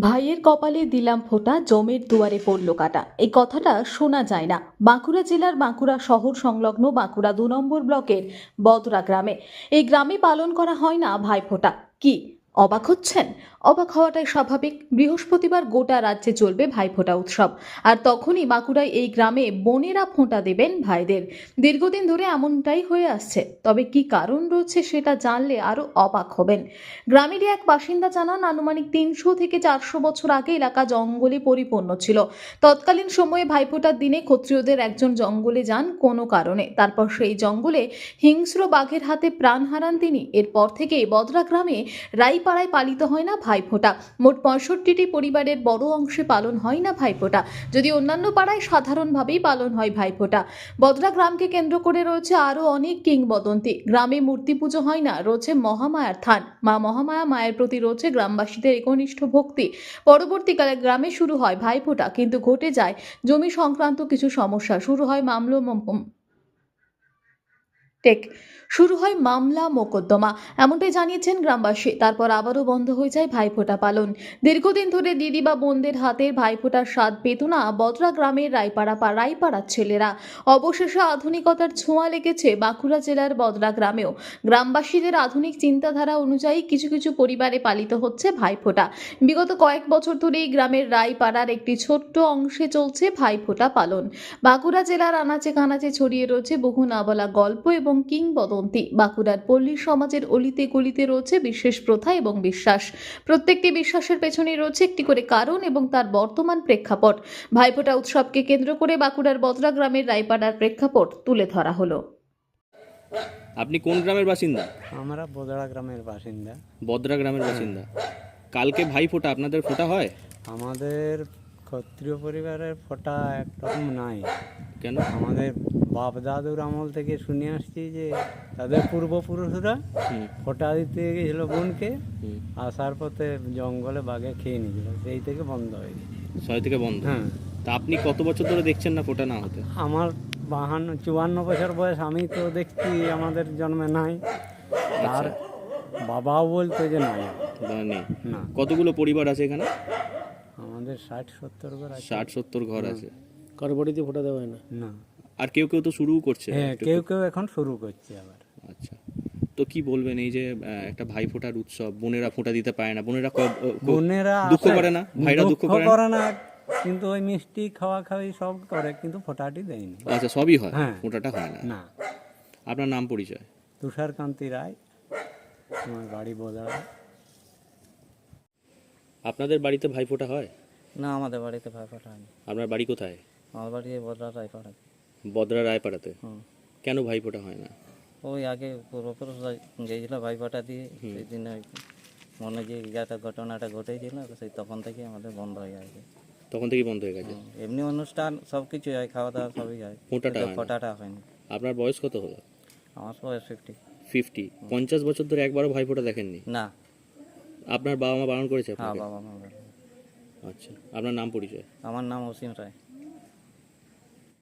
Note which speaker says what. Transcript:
Speaker 1: ভাইয়ের কপালে দিলাম ফোঁটা, জমের দুয়ারে পড়ল কাটা। এই কথাটা শোনা যায় না বাঁকুড়া জেলার বাঁকুড়া শহর সংলগ্ন বাঁকুড়া ২ নম্বর ব্লকের বদরা গ্রামে। এই গ্রামে পালন করা হয় না ভাইফোঁটা। কি অবাক হচ্ছেন? অবাক হওয়াটাই স্বাভাবিক। বৃহস্পতিবার গোটা রাজ্যে চলবে ভাইফোঁটা উৎসব, আর তখনই বাঁকুড়ায় এই গ্রামে বোনেরা ফোঁটা দেবেন ভাইদের। দীর্ঘদিন ধরে এমনটাই হয়ে আসছে, তবে কি কারণ রয়েছে সেটা জানলে আরো অবাক হবেন। গ্রামেরই এক বাসিন্দা জানান, আনুমানিক ৩০০ থেকে ৪০০ বছর আগে এলাকা জঙ্গলে পরিপূর্ণ ছিল। তৎকালীন সময়ে ভাইফোঁটার দিনে ক্ষত্রিয়দের একজন জঙ্গলে যান কোনো কারণে, তারপর সেই জঙ্গলে হিংস্র বাঘের হাতে প্রাণ হারান তিনি। এরপর থেকে বদরা গ্রামে রাইপাড়ায় পালিত হয় না ভাইফোঁটা। মোট ৬৫টি পরিবারের বড় অংশে পালন হয় না ভাইফোঁটা, যদি অন্যান্য পাড়ায় সাধারণভাবেই পালন হয় ভাইফোঁটা। বদরা গ্রামকে কেন্দ্র করে রয়েছে আরও অনেক কিংবদন্তি। গ্রামে মূর্তি পুজো হয় না, রয়েছে মহামায়ার থান। মা মহামায়া মায়ের প্রতি রয়েছে গ্রামবাসীদের একনিষ্ঠ ভক্তি। পরবর্তীকালে গ্রামে শুরু হয় ভাইফোঁটা, কিন্তু ঘটে যায় জমি সংক্রান্ত কিছু সমস্যা। শুরু হয় মামলা মোকদ্দমা, এমনটাই জানিয়েছেন গ্রামবাসী। তারপর আবারও বন্ধ হয়ে যায় ভাইফোঁটা পালন। দীর্ঘদিন ধরে দিদি বা বোনদের হাতের ভাইফোঁটার স্বাদ পেত না বদরা গ্রামের রায়পাড়ার ছেলেরা। অবশেষে আধুনিকতার ছোঁয়া লেগেছে বাঁকুড়া জেলার বদরা গ্রামেও। গ্রামবাসীদের আধুনিক চিন্তাধারা অনুযায়ী কিছু কিছু পরিবারে পালিত হচ্ছে ভাইফোঁটা। বিগত কয়েক বছর ধরে এই গ্রামের রায়পাড়ার একটি ছোট্ট অংশে চলছে ভাইফোঁটা পালন। বাঁকুড়া জেলার আনাচে কানাচে ছড়িয়ে রয়েছে বহু না বলা গল্প এবং কিংবদন্তি। বাঁকুড়ার পল্লী সমাজের অলিতে গলিতে রয়েছে বিশেষ প্রথা এবং বিশ্বাস। প্রত্যেকটি বিশ্বাসের পেছনে রয়েছে একটি করে কারণ এবং তার বর্তমান প্রেক্ষাপট। ভাইফোঁটা উৎসবকে কেন্দ্র করে বাঁকুড়ার বদরা গ্রামের রায়পাড়ার প্রেক্ষাপট তুলে ধরা হলো।
Speaker 2: আপনি কোন গ্রামের বাসিন্দা?
Speaker 3: আমরা বদরা গ্রামের বাসিন্দা।
Speaker 2: বদরা গ্রামের বাসিন্দা। কালকে ভাই ফোঁটা, আপনাদের ফোঁটা হয়?
Speaker 3: আমাদের ক্ষত্রিয় পরিবারের ফোঁটা একরকম নাই।
Speaker 2: কেন?
Speaker 3: আমাদের বাপ দাদুর আমল থেকে শুনে আসছি যে তাদের পূর্বপুরুষরা ফোঁটা দিতে গেছিল বোনকে, আসার পথে জঙ্গলে বাঘে খেয়ে নিয়েছিল, সেই থেকে বন্ধ হয়ে গেছে।
Speaker 2: ৬ থেকে বন্ধ।
Speaker 3: হ্যাঁ।
Speaker 2: তা আপনি কত বছর ধরে দেখছেন না ফোঁটা না হতে?
Speaker 3: আমার 54 বছর বয়স, আমি তো দেখছি আমাদের জন্মে নাই। আর বাবাও বলতো যে নাই,
Speaker 2: নেই।
Speaker 3: না।
Speaker 2: কতগুলো পরিবার আছে এখানে?
Speaker 3: আমাদের 60-70 ঘর আছে।
Speaker 2: 60-70 ঘর আছে।
Speaker 4: কারো বাড়িতে ফোঁটা দেওয়া হয় না।
Speaker 3: না।
Speaker 2: আর কেউ কেউ তো শুরুও করছে।
Speaker 3: হ্যাঁ, কেউ কেউ এখন শুরু করছে আবার।
Speaker 2: আচ্ছা, তো কি বলবেন এই যে একটা ভাই ফোঁটার উৎসব, বোনেরা ফোঁটা দিতে পারে না,
Speaker 3: বোনেরা
Speaker 2: দুঃখ করে না? ভাইরা দুঃখ
Speaker 3: করে না, কিন্তু ওই মিষ্টি খাওয়া খাওয়ি সব করে, কিন্তু ফোঁটাটি দেয়নি।
Speaker 2: আচ্ছা, সবই হয়,
Speaker 3: হ্যাঁ।
Speaker 2: ফোঁটাটা হয় না।
Speaker 3: না।
Speaker 2: আপনার নাম পরিচয়?
Speaker 3: তুষারকান্তি রায়, আমার বাড়ি বদরা।
Speaker 2: আপনাদের বাড়িতে ভাই ফোঁটা হয়?
Speaker 5: না, আমাদের বাড়িতে ভাইফোঁটা হয়নি।
Speaker 2: আপনার বাড়ি কোথায়?
Speaker 5: আমার বাড়ি এই বদরা রায়পাড়া।
Speaker 2: বদরা রায়পাড়াতে? কেন ভাই ফোঁটা হয় না?
Speaker 5: ওই আগে পূর্বপুরুষরা গিয়েছিল ভাইফোঁটা দিয়ে, সেই দিন ওই মনে যে ইয়েটা ঘটনাটা ঘটেছিল, সেই তখন থেকে আমাদের বন্ধ হয়ে গেছে।
Speaker 2: তখন থেকেই বন্ধ হয়ে গেছে?
Speaker 5: এমনি অনুষ্ঠান সব কিছু হয়, খাওয়া দাওয়া সবই হয়,
Speaker 2: ফোঁটাটা হয় না।
Speaker 5: ফোঁটাটা হয়নি।
Speaker 2: আপনার বয়স কত হলো?
Speaker 5: আমার বয়স 50।
Speaker 2: 50 বছর ধরে একবারও ভাই ফোঁটা দেখেননি?
Speaker 5: না।
Speaker 2: আপনার বাবা মা বারণ করেছে
Speaker 5: হ্যাঁ,
Speaker 2: আপনাকে?
Speaker 5: বাবা মা।
Speaker 2: আচ্ছা, আপনার নাম পরিচয়?
Speaker 5: আমার নাম অসীম রায়।